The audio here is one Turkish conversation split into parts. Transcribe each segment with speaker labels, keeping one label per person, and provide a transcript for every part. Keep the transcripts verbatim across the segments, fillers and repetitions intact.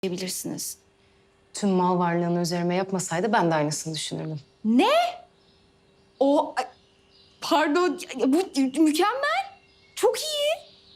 Speaker 1: diyebilirsiniz.
Speaker 2: Tüm mal varlığını üzerime yapmasaydı ben de aynısını düşünürdüm.
Speaker 1: Ne? O... ay, Pardon, bu mükemmel. Çok iyi.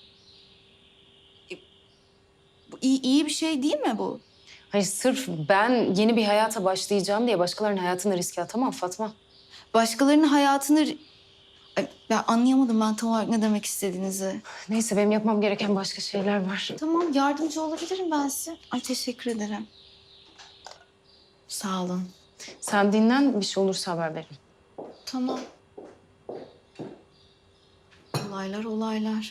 Speaker 1: E, Bu iyi, iyi bir şey değil mi bu?
Speaker 2: Hayır, sırf ben yeni bir hayata başlayacağım diye başkalarının hayatını riske atamam Fatma.
Speaker 1: Başkalarının hayatını... Ay, ben anlayamadım ben tam olarak ne demek istediğinizi.
Speaker 2: Neyse, benim yapmam gereken başka şeyler var.
Speaker 1: Tamam, yardımcı olabilirim ben size. Ay, teşekkür ederim. Sağ olun.
Speaker 2: Sen dinlen, bir şey olursa haber verin.
Speaker 1: Tamam. Olaylar, olaylar.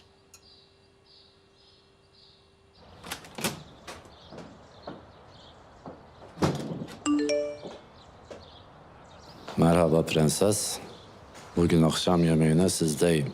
Speaker 3: Merhaba prenses. Bugün akşam yemeğine sizdeyim.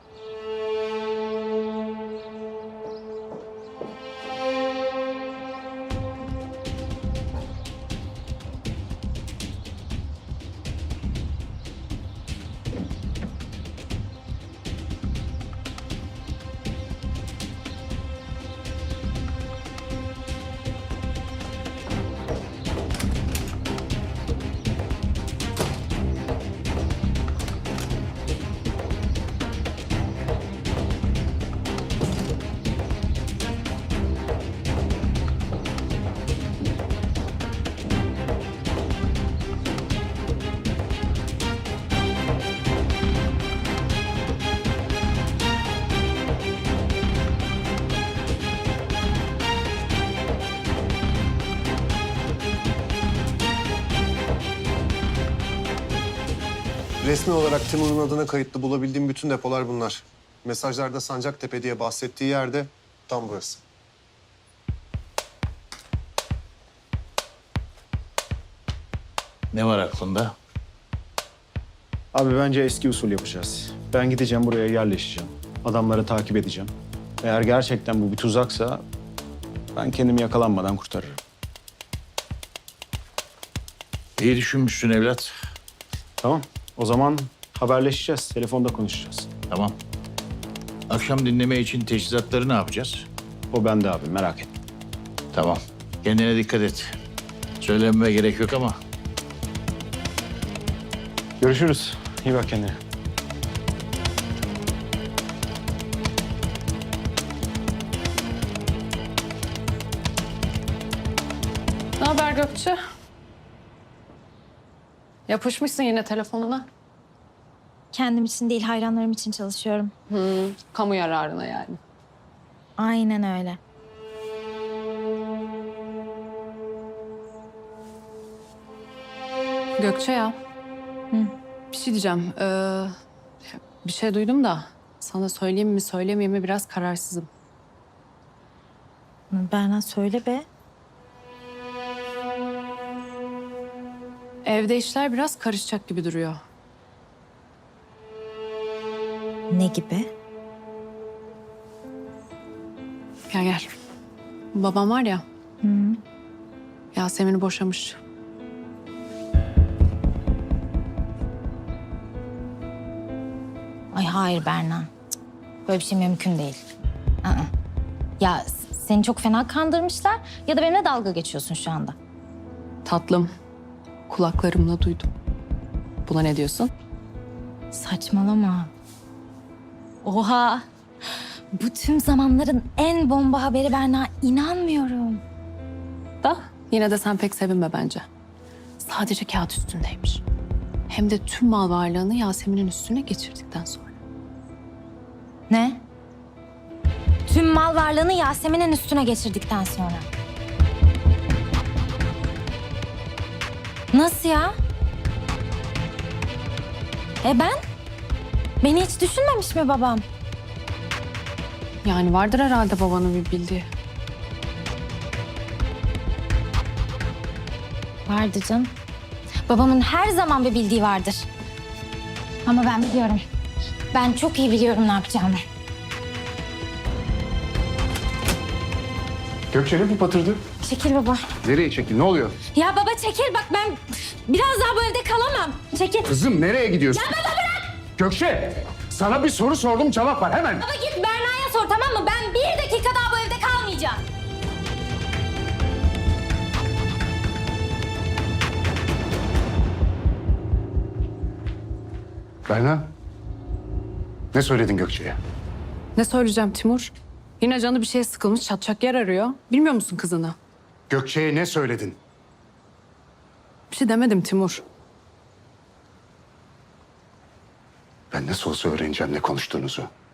Speaker 4: Resmi olarak Timur'un adına kayıtlı bulabildiğim bütün depolar bunlar. Mesajlarda Sancaktepe diye bahsettiği yerde tam burası.
Speaker 5: Ne var aklında?
Speaker 6: Abi bence eski usul yapacağız. Ben gideceğim, buraya yerleşeceğim. Adamları takip edeceğim. Eğer gerçekten bu bir tuzaksa ben kendimi yakalanmadan kurtarırım.
Speaker 5: İyi düşünmüşsün evlat.
Speaker 6: Tamam. O zaman haberleşeceğiz. Telefonda konuşacağız.
Speaker 5: Tamam. Akşam dinleme için teçhizatları ne yapacağız?
Speaker 6: O bende abi, merak etme.
Speaker 5: Tamam. Kendine dikkat et. Söylenmeme gerek yok ama.
Speaker 6: Görüşürüz. İyi bak kendine.
Speaker 2: Ne haber Gökçe? Yapışmışsın yine telefonuna.
Speaker 7: Kendim için değil, hayranlarım için çalışıyorum.
Speaker 2: Hı, kamu yararına yani.
Speaker 7: Aynen öyle.
Speaker 2: Gökçe ya.
Speaker 7: Hı.
Speaker 2: Bir şey diyeceğim. Ee, bir şey duydum da sana söyleyeyim mi söylemeyeyim mi biraz kararsızım.
Speaker 7: Berna söyle be.
Speaker 2: Evde işler biraz karışacak gibi duruyor.
Speaker 7: Ne gibi?
Speaker 2: Gel gel. Babam var ya,
Speaker 7: Hı.
Speaker 2: Yasemin'i boşamış.
Speaker 7: Ay hayır Berna. Cık, böyle bir şey mümkün değil. Aa. Ya s- seni çok fena kandırmışlar ya da benimle dalga geçiyorsun şu anda.
Speaker 2: Tatlım, kulaklarımla duydum. Buna ne diyorsun?
Speaker 7: Saçmalama. Oha. Bu tüm zamanların en bomba haberi Berna. İnanmıyorum.
Speaker 2: Da yine de sen pek sevinme bence. Sadece kağıt üstündeymiş. Hem de tüm mal varlığını Yasemin'in üstüne geçirdikten sonra.
Speaker 7: Ne? Tüm mal varlığını Yasemin'in üstüne geçirdikten sonra. Nasıl ya? E ben? Beni hiç düşünmemiş mi babam?
Speaker 2: Yani vardır herhalde babanın bir bildiği.
Speaker 7: Vardı canım. Babamın her zaman bir bildiği vardır. Ama ben biliyorum. Ben çok iyi biliyorum ne yapacağımı.
Speaker 6: Gökçe ne bu patırdı?
Speaker 7: Çekil baba.
Speaker 6: Nereye çekil? Ne oluyor?
Speaker 7: Ya baba çekil bak ben biraz daha bu evde kalamam. Çekil.
Speaker 6: Kızım nereye gidiyorsun? Ya baba bırak! Gökçe! Sana bir soru sordum, cevap ver hemen.
Speaker 7: Baba git Berna'ya sor tamam mı? Ben bir dakika daha bu evde kalmayacağım.
Speaker 8: Berna, ne söyledin Gökçe'ye?
Speaker 2: Ne söyleyeceğim Timur? Yine canı bir şeye sıkılmış, çatacak yer arıyor. Bilmiyor musun kızını?
Speaker 8: Gökçe'ye ne söyledin?
Speaker 2: Bir şey demedim Timur.
Speaker 8: Ben nasıl olsa öğreneceğim ne konuştuğunuzu.